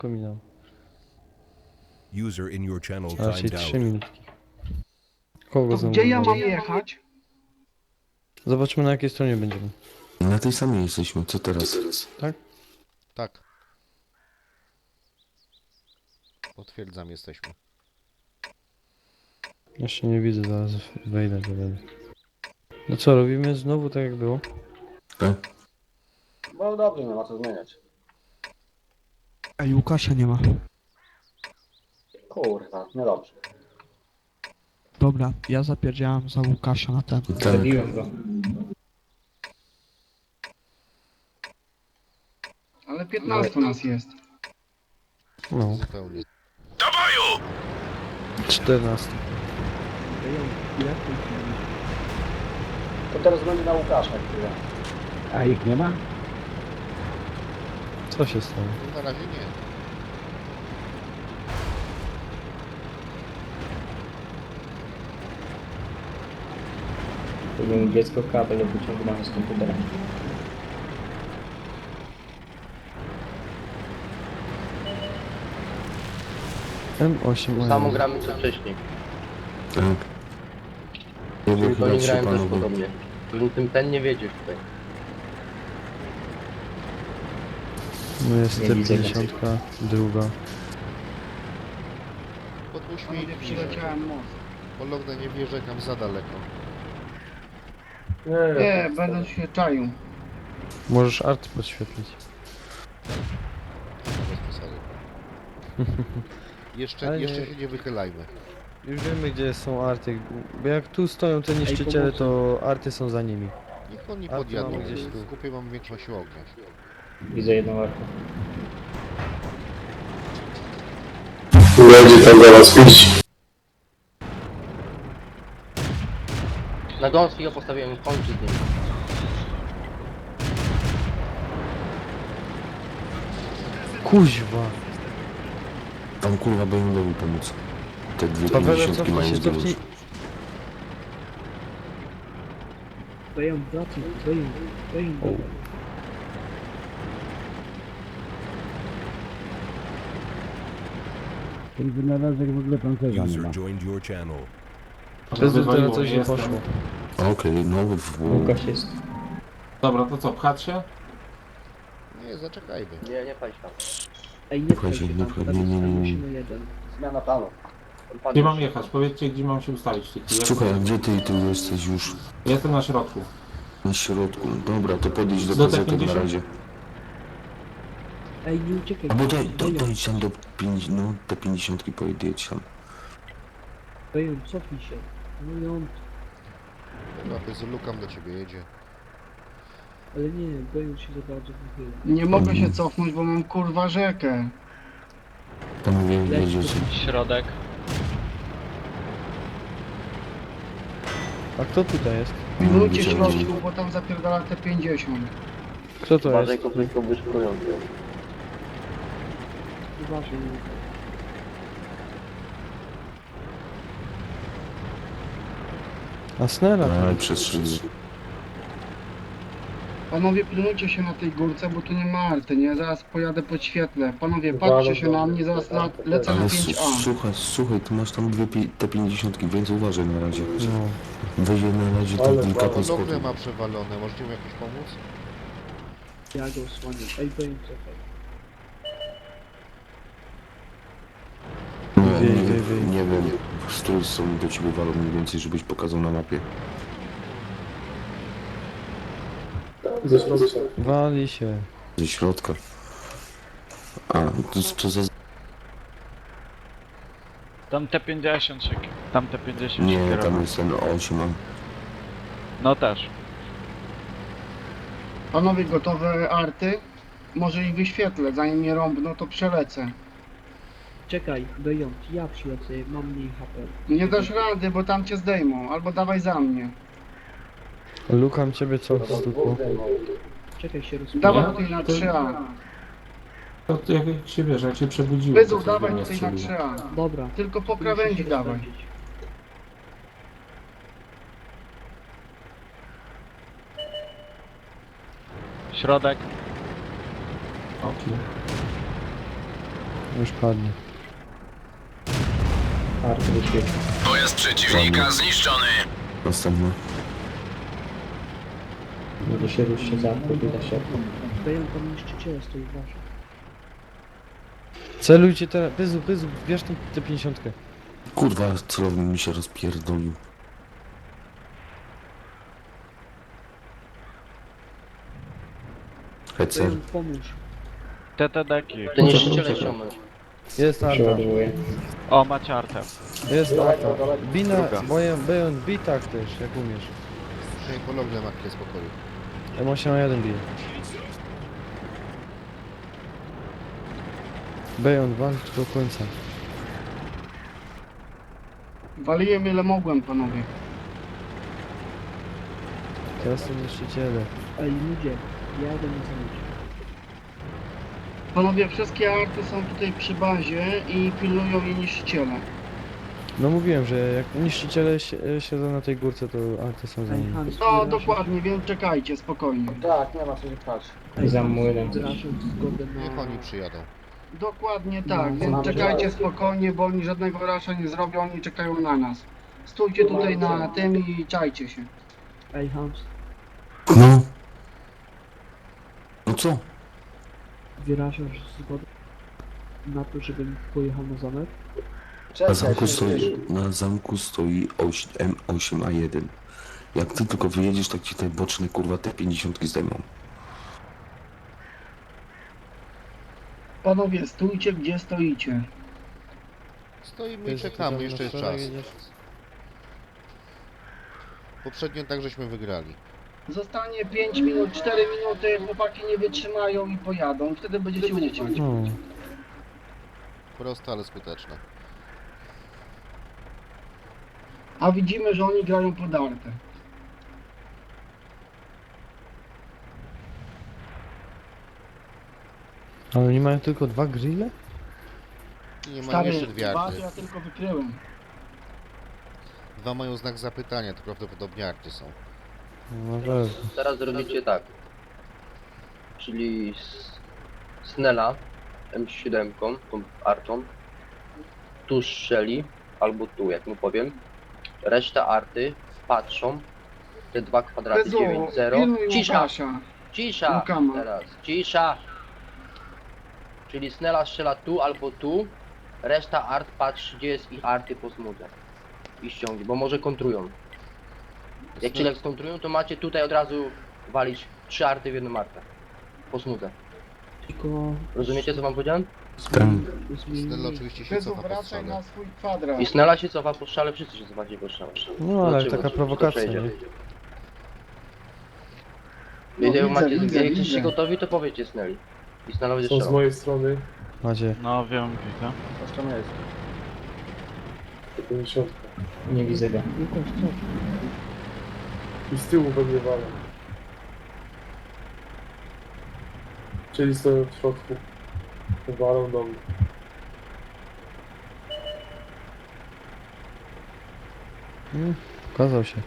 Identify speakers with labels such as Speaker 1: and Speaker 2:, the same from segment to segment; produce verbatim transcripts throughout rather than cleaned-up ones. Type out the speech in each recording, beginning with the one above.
Speaker 1: szybko minął.
Speaker 2: User in your channel
Speaker 1: A raczej
Speaker 2: timed
Speaker 1: trzy
Speaker 2: out.
Speaker 1: minutki. Kogo
Speaker 3: To
Speaker 1: znowu
Speaker 3: gdzie ja mam
Speaker 1: wywalił?
Speaker 3: jechać?
Speaker 1: Zobaczymy na jakiej stronie będziemy.
Speaker 4: Na tej samej jesteśmy, co teraz?
Speaker 1: Tak?
Speaker 5: Tak. Potwierdzam, jesteśmy.
Speaker 1: Jeszcze nie widzę, zaraz wejdę, to będę. No co, robimy znowu tak jak było?
Speaker 4: Tak?
Speaker 6: No dobrze, nie ma co zmieniać.
Speaker 3: Ej, Łukasza nie ma.
Speaker 6: Kurwa, niedobrze.
Speaker 3: Dobra, ja zapierdziałam za Łukasza na ten.
Speaker 4: Tak.
Speaker 6: Zabiłem go.
Speaker 3: Ale piętnaście nas jest.
Speaker 1: No,
Speaker 5: Zupełnie.
Speaker 1: czternaście.
Speaker 6: To teraz będzie na Łukasza chwilę.
Speaker 7: A ich nie ma?
Speaker 1: Co się stało?
Speaker 5: No, na razie nie.
Speaker 6: Powinien dziecko kabel wyciągnąć z komputera.
Speaker 1: M osiem.
Speaker 8: Samo gramy co wcześniej.
Speaker 4: Tak. Nie
Speaker 8: Tylko nie
Speaker 4: wychylać się
Speaker 8: grałem też
Speaker 4: panowie.
Speaker 8: podobnie. Ten, ten, ten nie wiedzie tutaj.
Speaker 1: No jest
Speaker 6: Nie
Speaker 1: T
Speaker 6: widzę
Speaker 1: pięćdziesiąt, druga.
Speaker 5: Podpuść
Speaker 3: Panowie,
Speaker 5: mi.
Speaker 3: przyleciałem most.
Speaker 5: Pologna nie wierzę tam za daleko.
Speaker 3: Nie, będę się czaił.
Speaker 1: Możesz art podświetlić.
Speaker 5: Bez przesady. Jeszcze,
Speaker 1: Ale nie-
Speaker 5: jeszcze się nie wychylajmy.
Speaker 1: Już wiemy gdzie są arty, bo jak tu stoją te niszczyciele, to arty są za nimi.
Speaker 5: Niech oni
Speaker 1: A tu
Speaker 5: podjadą.
Speaker 1: mamy gdzieś tu.
Speaker 5: W kupie mam większość ognia.
Speaker 6: Widzę jedną arkę.
Speaker 9: Będzie tam zaraz pić.
Speaker 8: Na gąski go postawiłem, kończy z nim.
Speaker 1: Kuźwa!
Speaker 4: Tam kurwa będą pomóc. Te dwie
Speaker 1: Paweł,
Speaker 4: pięćdziesiątki
Speaker 1: cofnij
Speaker 4: mają
Speaker 1: się,
Speaker 4: zdrowie.
Speaker 1: cofnij.
Speaker 7: Dają, wracaj, dają, dają. Ten wynalazek w ogóle pancerza nie ma.
Speaker 2: User joined your channel.
Speaker 1: Bez teraz coś nie poszło.
Speaker 4: Okej, no w...
Speaker 6: Łukasz jest.
Speaker 9: Dobra, to co, pchać się?
Speaker 5: Nie, zaczekajmy.
Speaker 8: Nie, nie paść tam.
Speaker 7: Ej, nie
Speaker 4: Słuchajcie,
Speaker 7: pchaj się
Speaker 4: nie
Speaker 7: tam,
Speaker 4: pchaj-
Speaker 7: tam
Speaker 4: nie, nie, nie, nie.
Speaker 7: musimy jeden.
Speaker 6: Zmiana planu.
Speaker 8: Tam padł.
Speaker 9: Gdzie mam jechać? Powiedzcie, gdzie mam się ustawić w tej chwili.
Speaker 4: Słuchaj, a gdzie ty tu jesteś już?
Speaker 9: Jestem na środku.
Speaker 4: Na środku. Dobra, to podjedź do
Speaker 9: Do
Speaker 4: P Z na
Speaker 9: pięćdziesiąt?
Speaker 4: razie.
Speaker 7: Ej, nie uciekaj.
Speaker 4: A bo to, to,
Speaker 7: dają,
Speaker 4: to idź tam do pięćdziesiąt, no te pięćdziesiątki pojedź tam.
Speaker 7: dają, cofnij się. No ją,
Speaker 5: Dobra, to jest Lukam do ciebie jedzie.
Speaker 7: ale nie, dają się za bardzo wychyla.
Speaker 3: Nie mogę się cofnąć, bo mam kurwa rzekę.
Speaker 4: Panowie,
Speaker 7: Leć
Speaker 4: jedziecie.
Speaker 10: Środek.
Speaker 1: A kto tutaj jest?
Speaker 3: Pilnujcie
Speaker 4: widziałem,
Speaker 3: środku, bo tam zapierdala te pięćdziesiąt.
Speaker 1: Kto to
Speaker 8: Uważaj,
Speaker 1: jest?
Speaker 8: konfliktów wyszkorujący.
Speaker 7: Uważaj.
Speaker 1: Asnera?
Speaker 4: A, przez szyję.
Speaker 3: Panowie, pilnujcie się na tej górce, bo tu nie ma arty, nie? Zaraz pojadę pod świetle. Panowie, patrzcie się na mnie, zaraz la, lecę na
Speaker 4: Ale su-
Speaker 3: pięć A.
Speaker 4: słuchaj, słuchaj, ty masz tam dwie pi- te pięćdziesiątki, więc uważaj na razie.
Speaker 1: No.
Speaker 4: Weź je na razie tak kilka
Speaker 5: Polognę
Speaker 4: podskotów.
Speaker 5: ma przewalone, możecie mu jakoś pomóc?
Speaker 7: Ja go osłaniam. Ej, dają, cofaj.
Speaker 4: Nie,
Speaker 1: Wej,
Speaker 4: nie,
Speaker 1: wej, wej.
Speaker 4: nie wiem, z której strony do ciebie walą mniej więcej, żebyś pokazał na mapie.
Speaker 1: Wali się.
Speaker 4: Ze środka. A, to, to za...
Speaker 10: Tam T pięćdziesiąt szyk. Tam T pięćdziesiąt
Speaker 4: Nie,
Speaker 10: się
Speaker 4: tam
Speaker 10: kierował.
Speaker 4: jest ten osiem, a...
Speaker 10: No też.
Speaker 3: Panowie, gotowe arty? Może ich wyświetlę, zanim mnie rąbną, to przelecę.
Speaker 7: Czekaj, dają, ja przylecę, mam mniej H P.
Speaker 3: Nie dasz rady, bo tam cię zdejmą, albo dawaj za mnie.
Speaker 1: Lukam ciebie co stukło.
Speaker 7: Czekaj się rozpływa.
Speaker 3: Dawaj
Speaker 9: Ja?
Speaker 3: tutaj na
Speaker 9: To-
Speaker 3: trzy A.
Speaker 9: To, to jak się wiesz, jak się przebudziłem.
Speaker 3: Wyzów,
Speaker 9: to sobie
Speaker 3: dawaj
Speaker 9: nie
Speaker 3: tutaj na
Speaker 9: strzeliło.
Speaker 3: trzy A.
Speaker 7: Dobra.
Speaker 3: Tylko po
Speaker 7: muszę
Speaker 3: krawędzi
Speaker 7: się
Speaker 3: dawaj.
Speaker 7: rozpędzić.
Speaker 10: Środek.
Speaker 9: Okej.
Speaker 1: Już padnie.
Speaker 7: Arty wyświetla.
Speaker 4: Pojazd przeciwnika zniszczony. Następny.
Speaker 7: Będzie się ruszcie za podbiega się. Dają tam niszczyciele stoi wasze.
Speaker 1: Celujcie teraz, Pyzu, Pyzu, bierz tą T pięćdziesiąt.
Speaker 4: Kurwa, celownik mi się rozpierdolił. Hecer.
Speaker 7: Dają pomóż.
Speaker 10: T T D-ki.
Speaker 8: Te niszczyciele ściągnąć.
Speaker 1: Jest Arta,
Speaker 10: O, macie artę.
Speaker 1: jest Arta. Bina,
Speaker 10: Druga.
Speaker 1: boję, Bejon, bij tak też, jak umiesz.
Speaker 5: Przynajmniej pologne matki spokoju.
Speaker 1: M osiem A jeden bije. Bejon, walcz do końca.
Speaker 3: Waliłem ile mogłem, panowie.
Speaker 1: Teraz są niszczyciele.
Speaker 7: Ej ludzie, jadę na zamieć.
Speaker 3: Panowie, wszystkie arty są tutaj przy bazie i pilnują je niszczyciele.
Speaker 1: No mówiłem, że jak niszczyciele si- siedzą na tej górce, to arty są za
Speaker 7: Ej
Speaker 1: nimi.
Speaker 7: Hans,
Speaker 3: No dokładnie, więc czekajcie, spokojnie.
Speaker 6: Tak, nie ma co się pchać.
Speaker 7: Za młynem. Zraszą zgodę
Speaker 5: Niech
Speaker 7: na...
Speaker 5: oni przyjadą.
Speaker 3: Dokładnie tak,
Speaker 7: No,
Speaker 3: więc
Speaker 6: mamy
Speaker 3: czekajcie
Speaker 6: rację.
Speaker 3: spokojnie, bo oni żadnego rasza nie zrobią, oni czekają na nas. Stójcie tutaj na tym i czajcie się.
Speaker 7: Ej Hans,
Speaker 4: No. No co?
Speaker 7: wyrażasz zgodę na to, żebym pojechał na zamek?
Speaker 4: Na
Speaker 6: Czekaj,
Speaker 4: zamku
Speaker 6: się
Speaker 4: stoi, na zamku stoi M osiem A jeden. Jak ty tylko wyjedziesz, tak ci te boczne kurwa te pięćdziesiątki zdejmą.
Speaker 3: Panowie, stójcie gdzie stoicie.
Speaker 5: Stoimy i
Speaker 1: Pyzu,
Speaker 5: czekamy,
Speaker 1: ty
Speaker 5: jeszcze jest
Speaker 1: tam na
Speaker 5: czas.
Speaker 1: szereg jedziesz?
Speaker 5: Poprzednio tak żeśmy wygrali.
Speaker 3: Zostanie pięć minut, cztery minuty, chłopaki nie wytrzymają i pojadą. Wtedy będziecie ufać.
Speaker 1: No.
Speaker 5: Proste, ale skuteczne.
Speaker 3: A widzimy, że oni grają podarte.
Speaker 1: Ale oni mają tylko dwa grille?
Speaker 5: I nie mają
Speaker 3: Stary,
Speaker 5: jeszcze dwie
Speaker 3: dwa
Speaker 5: arty.
Speaker 3: to ja tylko wykryłem.
Speaker 5: Dwa mają znak zapytania, to prawdopodobnie arty są.
Speaker 1: No pewnie.
Speaker 8: Teraz zrobicie tak. Czyli s- Snella M siedem, tą artą. Tu strzeli, albo tu, jak mu powiem. Reszta arty patrzą. Te dwa kwadraty
Speaker 3: Bezu,
Speaker 8: dziewięć zero.
Speaker 3: pilnuj
Speaker 8: Cisza,
Speaker 3: Łukasza.
Speaker 8: cisza
Speaker 3: Łukama.
Speaker 8: teraz, cisza. Czyli Snella strzela tu albo tu. Reszta art patrzy, gdzie jest ich arty po smudze. I ściągnie, bo może kontrują. Jak ci jak skontrują, to macie tutaj od razu walić trzy arty w jedną artę. Po smudze.
Speaker 7: Tylko...
Speaker 8: Rozumiecie, co wam powiedziałem?
Speaker 4: Ten.
Speaker 5: Snella
Speaker 7: Zmienili.
Speaker 5: oczywiście się
Speaker 3: Bezu,
Speaker 5: cofa po
Speaker 3: wracaj
Speaker 5: strzale.
Speaker 3: na swój kwadrat.
Speaker 8: I Snella się cofa po strzale, wszyscy się cofacie po strzale.
Speaker 1: No ale
Speaker 8: Zobaczymy,
Speaker 1: taka
Speaker 8: czy-
Speaker 1: prowokacja,
Speaker 8: czy to
Speaker 1: nie?
Speaker 8: przejdzie.
Speaker 3: No,
Speaker 8: Jak
Speaker 3: widzę,
Speaker 8: macie,
Speaker 3: widzę,
Speaker 8: jak
Speaker 3: widzę.
Speaker 8: jesteście gotowi, to powiedzcie Snelli. I Snella będzie
Speaker 2: Są z
Speaker 8: strzelał.
Speaker 2: mojej strony
Speaker 1: Macie.
Speaker 10: No wiem, widzę.
Speaker 6: Jeszcze nie jest.
Speaker 2: pięćdziesiąt.
Speaker 6: Nie widzę go.
Speaker 7: Łukasz, co?
Speaker 2: I z tyłu we mnie walą. Czyli stoją w środku. Walą do mnie.
Speaker 1: Mm, pokazał się.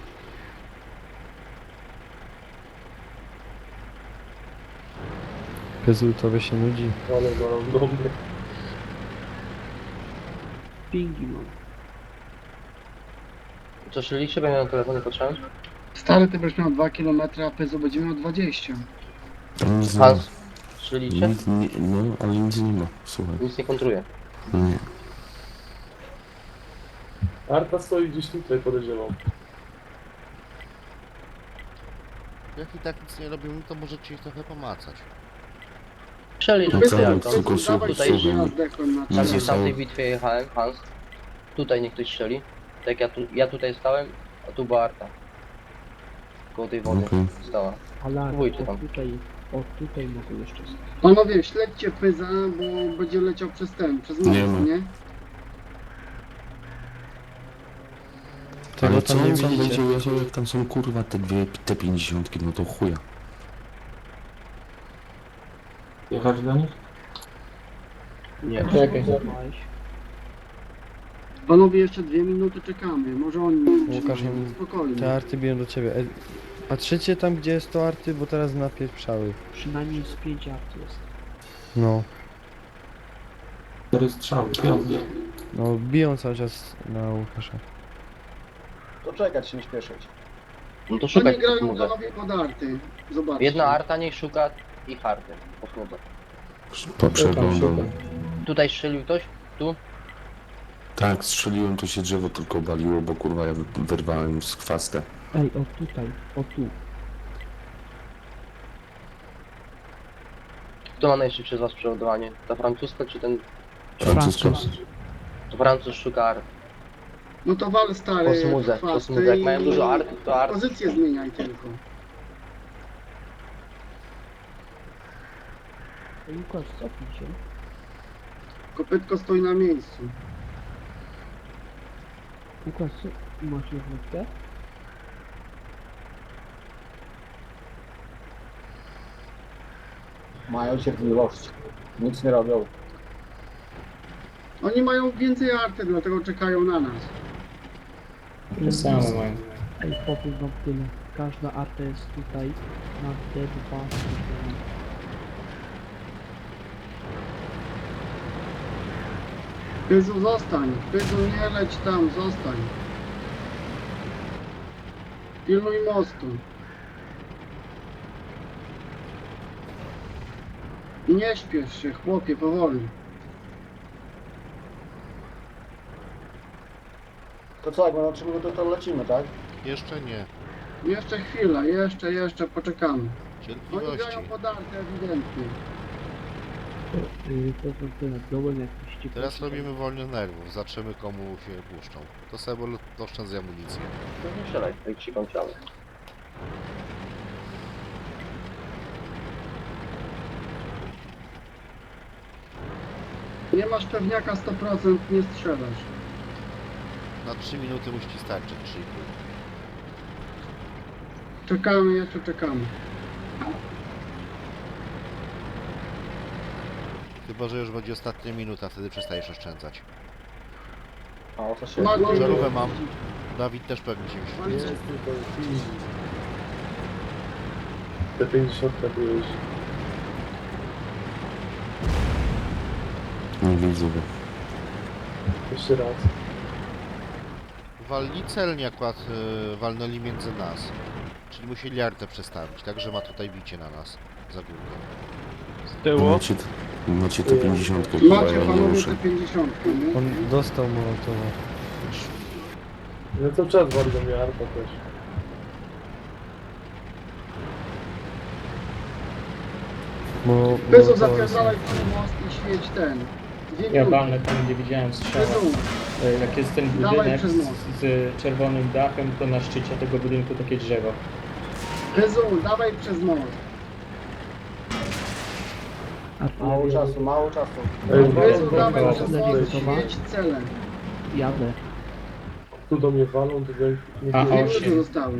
Speaker 1: Pyzu, tobie się nudzi.
Speaker 2: Ale walą do mnie.
Speaker 7: Pingi mam.
Speaker 8: Co strzeliście? Bo ja na telefonie patrzyłem.
Speaker 3: Stary, ty będziesz miał dwa kilometry, a Pyzu będzie miał dwadzieścia.
Speaker 4: Tam nic nie ma.
Speaker 8: Hans, strzeliście?
Speaker 4: Nic, nie, no, ale nic nie ma. Słuchaj.
Speaker 8: Nic nie kontruje.
Speaker 4: Nie.
Speaker 2: Arta stoi gdzieś tutaj, podejrzewam.
Speaker 5: Jak i tak nic nie robimy, to możecie ich trochę pomacać.
Speaker 8: Strzeli,
Speaker 4: No
Speaker 8: że
Speaker 4: co,
Speaker 8: ja
Speaker 4: no,
Speaker 8: to.
Speaker 4: tylko słuchaj,
Speaker 3: dawaj
Speaker 8: tutaj
Speaker 3: się, ja
Speaker 4: słuchaj.
Speaker 3: zdechłem na
Speaker 4: Nie
Speaker 8: Tak
Speaker 3: czas.
Speaker 8: jak w
Speaker 4: zostało.
Speaker 8: tamtej bitwie jechałem, Hans. Tutaj niech ktoś strzeli. Tak ja, tu, ja tutaj stałem, a tu była Arta. Koło tej wody
Speaker 4: Okej.
Speaker 8: stała.
Speaker 7: Ale
Speaker 8: Próbujcie
Speaker 7: o
Speaker 8: tam.
Speaker 7: tutaj, o tutaj mogę jeszcze stać.
Speaker 3: Panowie, śledźcie Pyza, bo będzie leciał przez ten, przez most,
Speaker 4: Nie ma.
Speaker 3: nie?
Speaker 1: Tego
Speaker 4: Ale
Speaker 1: tam
Speaker 4: co
Speaker 1: nie
Speaker 4: on tam
Speaker 1: widzicie.
Speaker 4: będzie jechał, jak tam są kurwa te dwie, te pięćdziesiątki, no to chuja.
Speaker 9: Jechać do nich?
Speaker 8: Nie.
Speaker 6: Czekaj.
Speaker 7: Złapałeś.
Speaker 3: Panowie, jeszcze dwie minuty czekamy, może oni
Speaker 1: Łukasz,
Speaker 3: trzymają,
Speaker 1: im-
Speaker 3: spokojnie.
Speaker 1: Te arty biją do ciebie. E, patrzycie tam, gdzie jest to arty, bo teraz napieprzały.
Speaker 7: Przynajmniej z pięć art jest.
Speaker 1: No.
Speaker 9: Cztery strzały, piąty.
Speaker 1: No biją cały czas na Łukasza.
Speaker 6: To czekać, się nie śpieszyć.
Speaker 8: No to
Speaker 3: Oni
Speaker 8: szukaj
Speaker 3: grają
Speaker 8: posmudze.
Speaker 3: panowie pod arty. Zobaczcie.
Speaker 8: Jedna arta niech szuka ich arty. Posmudze.
Speaker 4: To przeglądam.
Speaker 8: Tutaj strzelił ktoś? Tu?
Speaker 4: Tak, strzeliłem, to się drzewo tylko baliło, bo kurwa ja wyrwałem z chwastę.
Speaker 7: Ej, o tutaj, o tu.
Speaker 8: Kto ma najszybsze z was przeładowanie? Ta francuska czy ten...
Speaker 4: Francuska.
Speaker 8: To Francuz szuka art.
Speaker 3: No to wal stary.
Speaker 8: Posmudze,
Speaker 3: chwasty
Speaker 8: posmudze. Jak
Speaker 3: i-
Speaker 8: mają dużo art, to art.
Speaker 3: Pozycję zmieniaj tylko.
Speaker 7: Ej, Łukasz, cofnij się.
Speaker 3: Kopytko stoi na miejscu.
Speaker 7: Łukasz, co? Masz jednostkę?
Speaker 6: Mają cierpliwość. Nic nie robią.
Speaker 3: Oni mają więcej arty, dlatego czekają na nas.
Speaker 9: To samo mają.
Speaker 7: Ej, powiem wam tyle. Każda arta jest tutaj na D dwa.
Speaker 3: Pyzu, zostań. Pyzu, nie leć tam, zostań. Pilnuj mostu. I nie śpiesz się, chłopie, powoli.
Speaker 6: To co, jak będą trzy minuty, to lecimy, tak?
Speaker 5: Jeszcze nie.
Speaker 3: Jeszcze chwila, jeszcze, jeszcze, poczekamy. Oni
Speaker 5: Cierpliwości.
Speaker 3: grają podarte ewidentnie.
Speaker 7: Yy, to wam tyle. Dołem jakiś ci
Speaker 5: Teraz robimy wolny nerwów, zobaczymy komu się puszczą. To sobie oszczędzę amunicję.
Speaker 8: To nie strzelaj, jak się kończymy.
Speaker 3: Nie masz pewniaka sto procent, nie strzelasz.
Speaker 5: Na trzy minuty musi ci starczyć, trzy i pół.
Speaker 3: Czekamy, jeszcze czekamy.
Speaker 5: Chyba, że już będzie ostatnia minuta, wtedy przestajesz oszczędzać.
Speaker 6: A o co się...
Speaker 3: Ma-
Speaker 5: Żarówkę mam. Dawid też pewnie się już...
Speaker 2: Jest tylko easy. Te pięćdziesiąt byłeś.
Speaker 4: Nie widzę go.
Speaker 2: Jeszcze raz.
Speaker 5: Walni celnie akurat y, walnęli między nas. Czyli musieli artę przestawić, także ma tutaj bicie na nas. Za górkę.
Speaker 10: Z tyłu.
Speaker 4: Macie, macie te pięćdziesiątkę, chyba
Speaker 3: Macie
Speaker 4: ja nie
Speaker 3: panowie
Speaker 4: ruszę.
Speaker 3: te pięćdziesiąt, nie?
Speaker 1: On dostał mołotowa.
Speaker 2: No to czas wali do mnie arpa też.
Speaker 1: Mo,
Speaker 3: Pyzu,
Speaker 1: mołotowa
Speaker 3: zapierdalaj ten most i świeć ten. Dwie
Speaker 9: Ja
Speaker 3: minuty.
Speaker 9: walnę tam, gdzie widziałem strzała.
Speaker 3: Pyzu,
Speaker 9: E, Jak jest ten
Speaker 3: Dawaj
Speaker 9: budynek
Speaker 3: przez
Speaker 9: z,
Speaker 3: most.
Speaker 9: z czerwonym dachem, to na szczycie tego budynku takie drzewo.
Speaker 3: Pyzu, dawaj przez most.
Speaker 6: Mało czasu, mało czasu.
Speaker 2: Ej,
Speaker 3: Pyzu,
Speaker 2: walą,
Speaker 3: dawaj
Speaker 2: walą,
Speaker 3: przez
Speaker 2: walą.
Speaker 3: most, świeć celem.
Speaker 7: Jadę.
Speaker 2: Tu do mnie walą, to ja nie
Speaker 9: A,
Speaker 3: Dwie
Speaker 9: o,
Speaker 3: minuty
Speaker 9: się.
Speaker 3: zostały.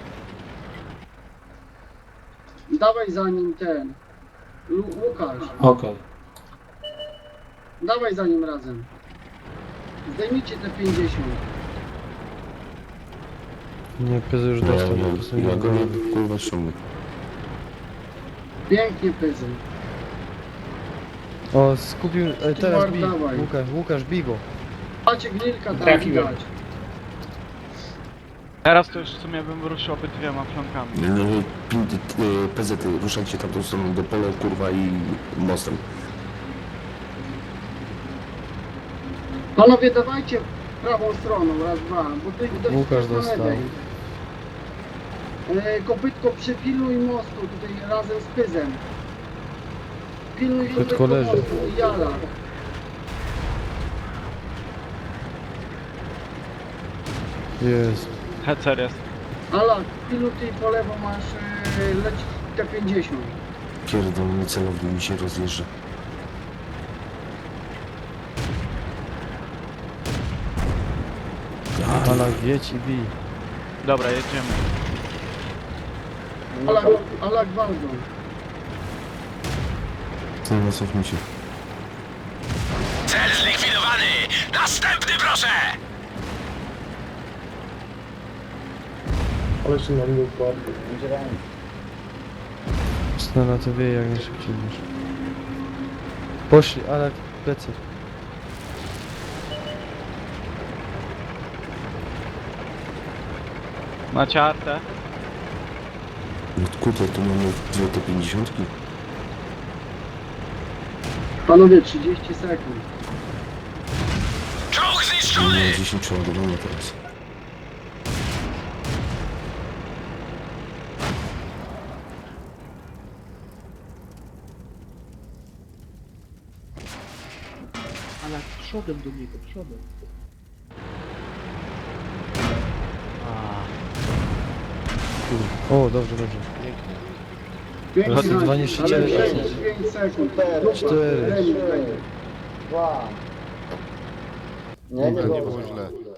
Speaker 3: Dawaj za nim ten. Lu Łukasz,
Speaker 9: Okej.
Speaker 3: dawaj za nim razem. Zdejmijcie te pięćdziesiąt.
Speaker 1: Nie, Pyzu już
Speaker 4: Ja,
Speaker 1: dostał.
Speaker 4: ja,
Speaker 1: po prostu
Speaker 4: ja
Speaker 1: nie
Speaker 4: go
Speaker 1: ma.
Speaker 4: nie kurwa ściągnę.
Speaker 3: Pięknie, Pyzu.
Speaker 1: O, skupił... E, teraz
Speaker 3: Mark,
Speaker 1: bij.
Speaker 3: dawaj.
Speaker 1: Łukasz, Łukasz, bij go.
Speaker 3: Macie gnilka tam
Speaker 9: Trafiłem.
Speaker 3: widać.
Speaker 10: Teraz to już w sumie bym ruszył obydwiema flankami.
Speaker 4: No, pin- y, P Z y, ruszajcie tam tą stroną do pola, kurwa i mostem.
Speaker 3: Panowie, dawajcie prawą stroną, raz, dwa, bo ty dość
Speaker 1: Łukasz
Speaker 3: na
Speaker 1: dostał.
Speaker 3: lewej. E, kopytko, przypiluj mostu tutaj razem z Pyzem. Pilnuj
Speaker 1: Kopytko
Speaker 3: kopytko
Speaker 1: leży.
Speaker 3: mostu i jala.
Speaker 1: Jest.
Speaker 10: Hecer jest.
Speaker 3: Ala, pilnuj ty po lewo masz, e, leci T pięćdziesiąt.
Speaker 4: Pierdolony celownik mi się rozjeżdża.
Speaker 1: Ala, jedź i bij.
Speaker 10: Dobra, jedziemy.
Speaker 3: Ala, ala gwałdą.
Speaker 4: Teraz cofnij się.
Speaker 11: Cel zlikwidowany! Następny proszę!
Speaker 2: Ale się na mnie układł.
Speaker 6: Będzie ręka.
Speaker 1: Snela to wie jak najszybciej niż. Poszli, ale plecy.
Speaker 10: Macie artę?
Speaker 4: No kurde, tu mamy dwie te pięćdziesiątki.
Speaker 3: Panowie, trzydzieści sekund.
Speaker 11: Czołg
Speaker 4: No,
Speaker 11: zniszczony!
Speaker 4: dziesięć przeładowania teraz.
Speaker 7: Ale przodem do niego, przodem.
Speaker 1: O, dobrze, dobrze.
Speaker 5: Pięknie.
Speaker 3: pięć
Speaker 1: Chodź, dwa
Speaker 3: sekund,
Speaker 1: niszczyciele
Speaker 3: ale
Speaker 1: zacznij.
Speaker 3: pięć- pięć sekund.
Speaker 1: Cztery.
Speaker 6: Dwa. Nie, nie
Speaker 5: To nie
Speaker 6: było.
Speaker 5: było źle.